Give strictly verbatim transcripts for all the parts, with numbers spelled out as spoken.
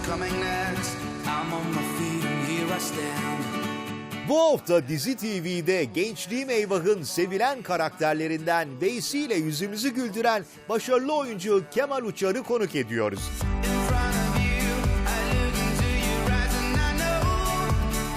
coming next? I'm on my feet and here I stand. Bu hafta Dizi T V'de Gençliğim Eyvah'ın sevilen karakterlerinden Veysi ile yüzümüzü güldüren başarılı oyuncu Kemal Uçar'ı konuk ediyoruz. In front of you, I look into your eyes and I know.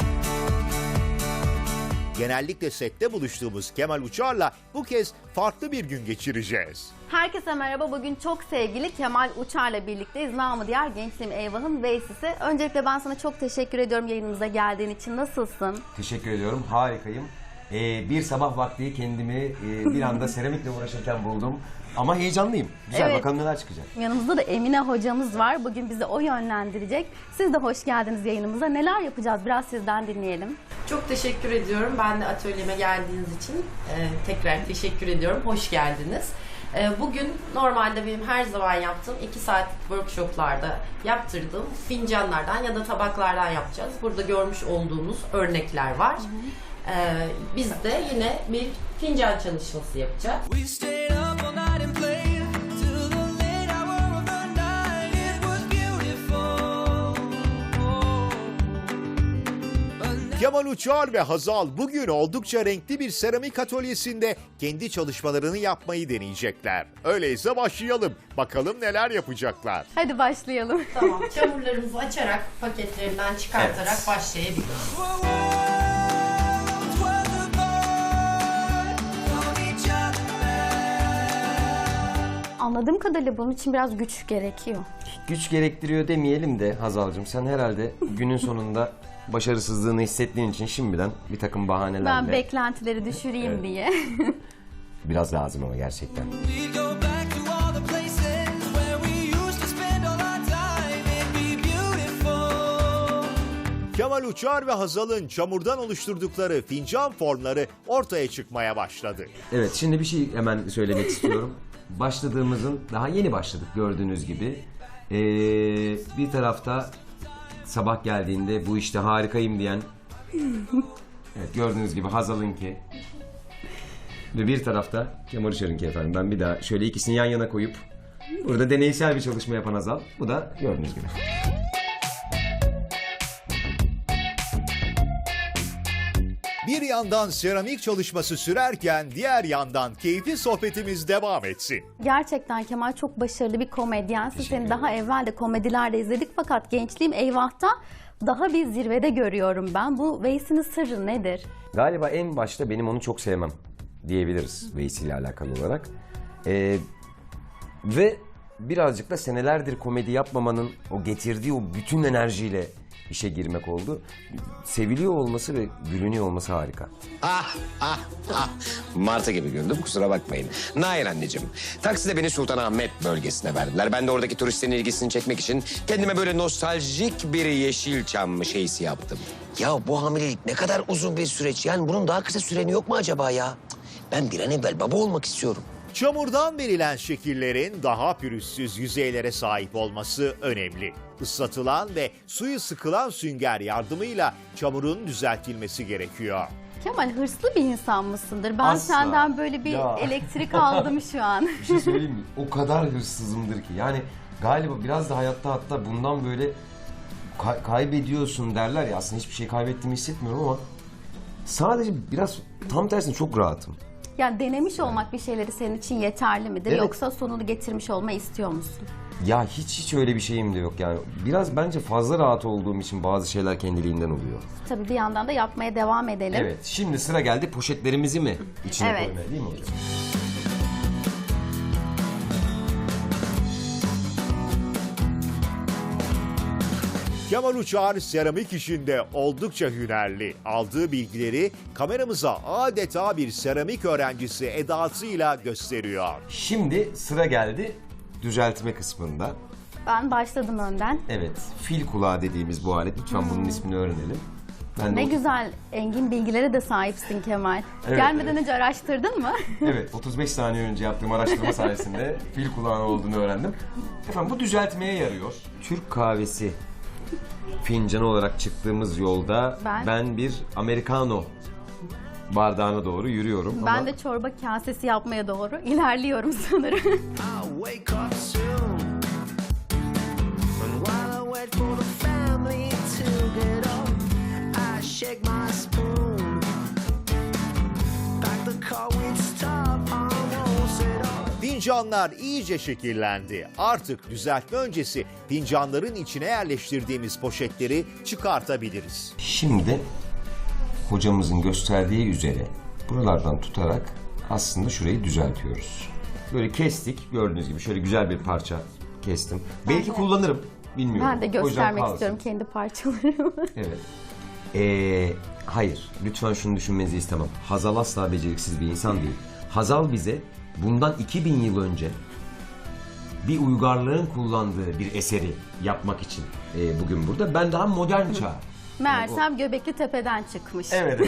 Genellikle sette buluştuğumuz Kemal Uçar'la bu kez farklı bir gün geçireceğiz. Herkese merhaba. Bugün çok sevgili Kemal Uçar'la birlikteyiz. Namı diğer Gençliğim Eyvah'ın Veysi'si. Öncelikle ben sana çok teşekkür ediyorum yayınımıza geldiğin için. Nasılsın? Teşekkür ediyorum. Harikayım. Ee, bir sabah vakti kendimi e, bir anda seramikle uğraşırken buldum. Ama heyecanlıyım. Güzel, Evet. bakalım neler çıkacak. Yanımızda da Emine hocamız var. Bugün bizi o yönlendirecek. Siz de hoş geldiniz yayınımıza. Neler yapacağız? Biraz sizden dinleyelim. Çok teşekkür ediyorum. Ben de atölyeme geldiğiniz için e, tekrar teşekkür ediyorum. Hoş geldiniz. E, bugün normalde benim her zaman yaptığım iki saatlik workshoplarda yaptırdığım fincanlardan ya da tabaklardan yapacağız. Burada görmüş olduğunuz örnekler var. E, biz de yine bir fincan çalışması yapacağız. We stayed up all night and played till the late hour of the night. It was beautiful. But now Kemal Uçar ve Hazal bugün oldukça renkli bir seramik atölyesinde kendi çalışmalarını yapmayı deneyecekler. Öyleyse başlayalım. Bakalım neler yapacaklar. Hadi başlayalım. Tamam. Çamurlarımızı açarak, paketlerinden çıkartarak Evet. başlayabiliriz. worlds were apart from each other. Anladığım kadarıyla bunun için biraz güç gerekiyor. Güç gerektiriyor demeyelim de Hazal'cığım, sen herhalde günün sonunda başarısızlığını hissettiğin için şimdiden bir takım bahanelerle Ben beklentileri düşüreyim Evet. diye. biraz lazım ama gerçekten. We go back to all the places where we used to spend all our time. It'd be beautiful. Kemal Uçar ve Hazal'ın çamurdan oluşturdukları fincan formları ortaya çıkmaya başladı. Evet, şimdi bir şey hemen söylemek istiyorum. Başladığımızın, daha yeni başladık gördüğünüz gibi. Ee, bir tarafta sabah geldiğinde bu işte harikayım diyen, evet, gördüğünüz gibi Hazal'ınki. Ve bir tarafta Kemal Uçar'ınki efendim. Ben bir daha şöyle ikisini yan yana koyup burada deneysel bir çalışma yapan Hazal. Bu da gördüğünüz gibi. Bir yandan seramik çalışması sürerken diğer yandan keyifli sohbetimiz devam etsin. Gerçekten Kemal çok başarılı bir komedyensin. Teşekkür Seni daha ederim. evvel de komedilerde izledik fakat Gençliğim Eyvah'ta daha bir zirvede görüyorum ben. Bu Veysi'nin sırrı nedir? Galiba en başta benim onu çok sevmem diyebiliriz Veysi ile alakalı olarak. Ee, ve birazcık da senelerdir komedi yapmamanın o getirdiği o bütün enerjiyle işe girmek oldu. Seviliyor olması ve gülünüyor olması harika. Ah ah ah. Martı gibi güldüm, kusura bakmayın. Nair anneciğim, takside beni Sultanahmet bölgesine verdiler. Ben de oradaki turistlerin ilgisini çekmek için kendime böyle nostaljik bir Yeşilçam şeysi yaptım. Ya bu hamilelik ne kadar uzun bir süreç. Yani bunun daha kısa süreni yok mu acaba ya? Cık, ben bir an evvel baba olmak istiyorum. Çamurdan verilen şekillerin daha pürüzsüz yüzeylere sahip olması önemli. Islatılan ve suyu sıkılan sünger yardımıyla çamurun düzeltilmesi gerekiyor. Kemal hırslı bir insan mısındır? Ben Asla. senden böyle bir Ya. elektrik aldım şu an. Bir şey söyleyeyim mi? O kadar hırsızımdır ki. Yani galiba biraz da hayatta hatta bundan böyle kay- kaybediyorsun derler ya. Aslında hiçbir şey kaybettiğimi hissetmiyorum ama sadece biraz tam tersine çok rahatım. Yani denemiş olmak bir şeyleri senin için yeterli midir? Evet. Yoksa sonunu getirmiş olmayı istiyor musun? Ya hiç hiç öyle bir şeyim de yok yani. Biraz bence fazla rahat olduğum için bazı şeyler kendiliğinden oluyor. Tabii bir yandan da yapmaya devam edelim. Evet, şimdi sıra geldi poşetlerimizi mi içine Evet. koymaya, değil mi hocam? Kemal Uçar seramik işinde oldukça hünerli. Aldığı bilgileri kameramıza adeta bir seramik öğrencisi edasıyla gösteriyor. Şimdi sıra geldi düzeltme kısmında. Ben başladım önden. Evet, fil kulağı dediğimiz bu alet. Lütfen bunun ismini öğrenelim. Ben de Ne o- güzel engin bilgilere de sahipsin Kemal. Evet, Gelmeden evet. önce araştırdın mı? Evet, otuz beş saniye önce yaptığım araştırma sayesinde fil kulağına olduğunu öğrendim. Efendim bu düzeltmeye yarıyor. Türk kahvesi fincanı olarak çıktığımız yolda Ben- ben, bir Americano bardağına doğru yürüyorum. Ben ama de çorba kasesi yapmaya doğru ilerliyorum sanırım. I'll wake up soon. And while I wait for the Fincanlar iyice şekillendi. Artık düzeltme öncesi fincanların içine yerleştirdiğimiz poşetleri çıkartabiliriz. Şimdi hocamızın gösterdiği üzere buralardan tutarak aslında şurayı düzeltiyoruz. Böyle kestik, gördüğünüz gibi şöyle güzel bir parça kestim. Belki kullanırım, bilmiyorum. Ben de O yüzden göstermek kalsın. istiyorum kendi parçalarımı. Evet. Ee, hayır, lütfen şunu düşünmenizi istemem. Hazal asla beceriksiz bir insan değil. Hazal bize bundan iki bin yıl önce bir uygarlığın kullandığı bir eseri yapmak için e, bugün burada. Ben daha modern çağ. Meğersem Göbekli Tepe'den çıkmış. Evet.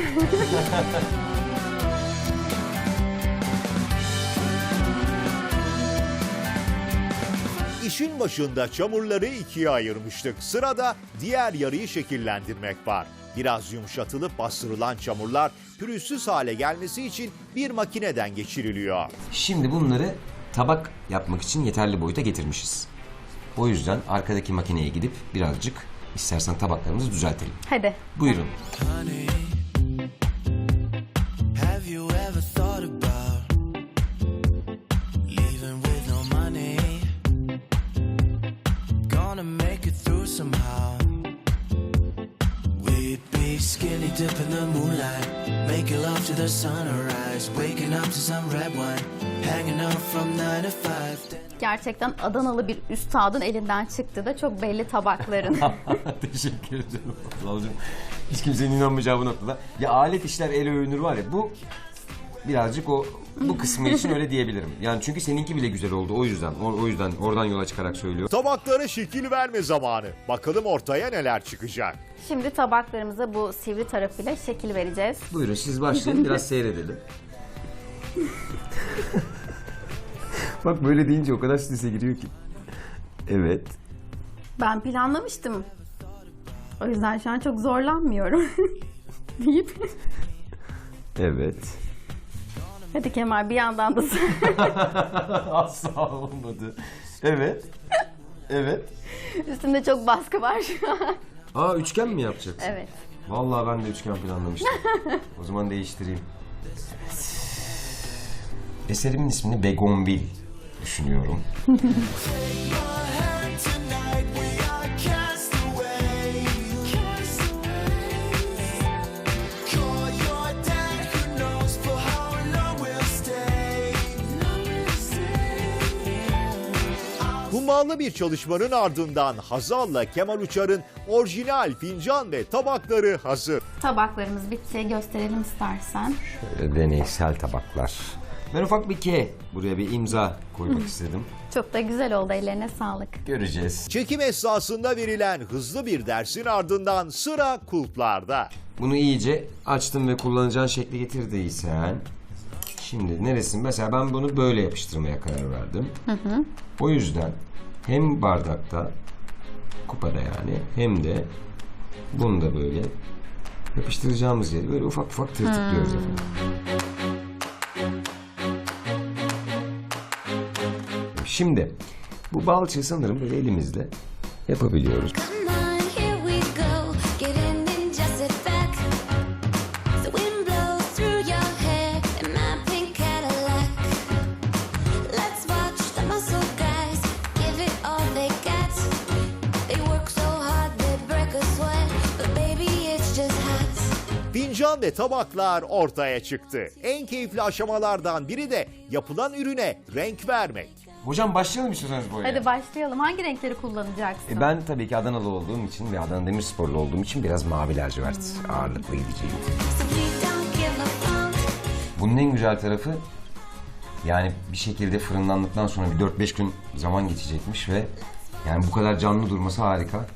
İşin başında çamurları ikiye ayırmıştık. Sırada diğer yarıyı şekillendirmek var. Biraz yumuşatılıp bastırılan çamurlar pürüzsüz hale gelmesi için bir makineden geçiriliyor. Şimdi bunları tabak yapmak için yeterli boyuta getirmişiz. O yüzden arkadaki makineye gidip birazcık istersen tabaklarımızı düzeltelim. Hadi. Buyurun. Honey, have you ever thought about leaving with no money? Gonna make it through somehow. We'd be skinny dip in the moonlight, making love to the sunrise, waking up to some red wine, hanging out from nine to five. Gerçekten Adanalı bir üstadın elinden çıktı da çok belli tabakların. Teşekkür ederim. Allah'ım, hiç kimsenin inanmayacağı bu noktada. Ya alet işler el övünür var ya, bu birazcık o bu kısmı için öyle diyebilirim. Yani çünkü seninki bile güzel oldu, o yüzden o, o yüzden oradan yola çıkarak söylüyorum. Tabaklara şekil verme zamanı. Bakalım ortaya neler çıkacak. Şimdi tabaklarımıza bu sivri tarafıyla şekil vereceğiz. Buyurun siz başlayın, biraz seyredelim. Bak böyle deyince o kadar strese giriyor ki. Evet. Ben planlamıştım. O yüzden şu an çok zorlanmıyorum. deyip. Evet. Hadi Kemal bir yandan da Asla olmadı. Evet. Evet. üstümde çok baskı var şu an. Aa, üçgen mi yapacaksın? Evet. Vallahi ben de üçgen planlamıştım. O zaman değiştireyim. Eserimin ismini Begonvil düşünüyorum. Tonight we are cast away. Call your dad, who knows for how long we'll stay. Hummalı bir çalışmanın ardından Hazal'la Kemal Uçar'ın orijinal fincan ve tabakları hazır. Tabaklarımız bitti. Gösterelim istersen. Böyle deneysel tabaklar. Ben ufak bir K buraya bir imza koymak istedim. Çok da güzel oldu. Ellerine sağlık. Göreceğiz. Çekim esnasında verilen hızlı bir dersin ardından sıra kulplarda. Bunu iyice açtım ve kullanacağın şekli getirdiysen. Şimdi neresin? Mesela ben bunu böyle yapıştırmaya karar verdim. Hı hı. O yüzden hem bardakta, kupada yani, hem de bunu da böyle yapıştıracağımız yeri böyle ufak ufak tırtıklıyoruz efendim. Şimdi bu balçığı sanırım böyle elimizle yapabiliyoruz. Come on, here we go. Get in and just sit back. The wind blows through your hair in my pink Cadillac. Let's watch the muscle guys give it all they got. They work so hard they break a sweat, but baby it's just hot. Fincan ve tabaklar ortaya çıktı. En keyifli aşamalardan biri de yapılan ürüne renk vermek. Hocam başlayalım istiyorsanız boyaya. Hadi başlayalım. Hangi renkleri kullanacaksın? E ben tabii ki Adanalı olduğum için ve Adana Demirsporlu olduğum için biraz mavi lacivert ağırlıklı gideceğim. So we don't give a fuck. Bunun en güzel tarafı, yani bir şekilde fırınlandıktan sonra bir dört beş gün zaman geçecekmiş ve yani bu kadar canlı durması harika.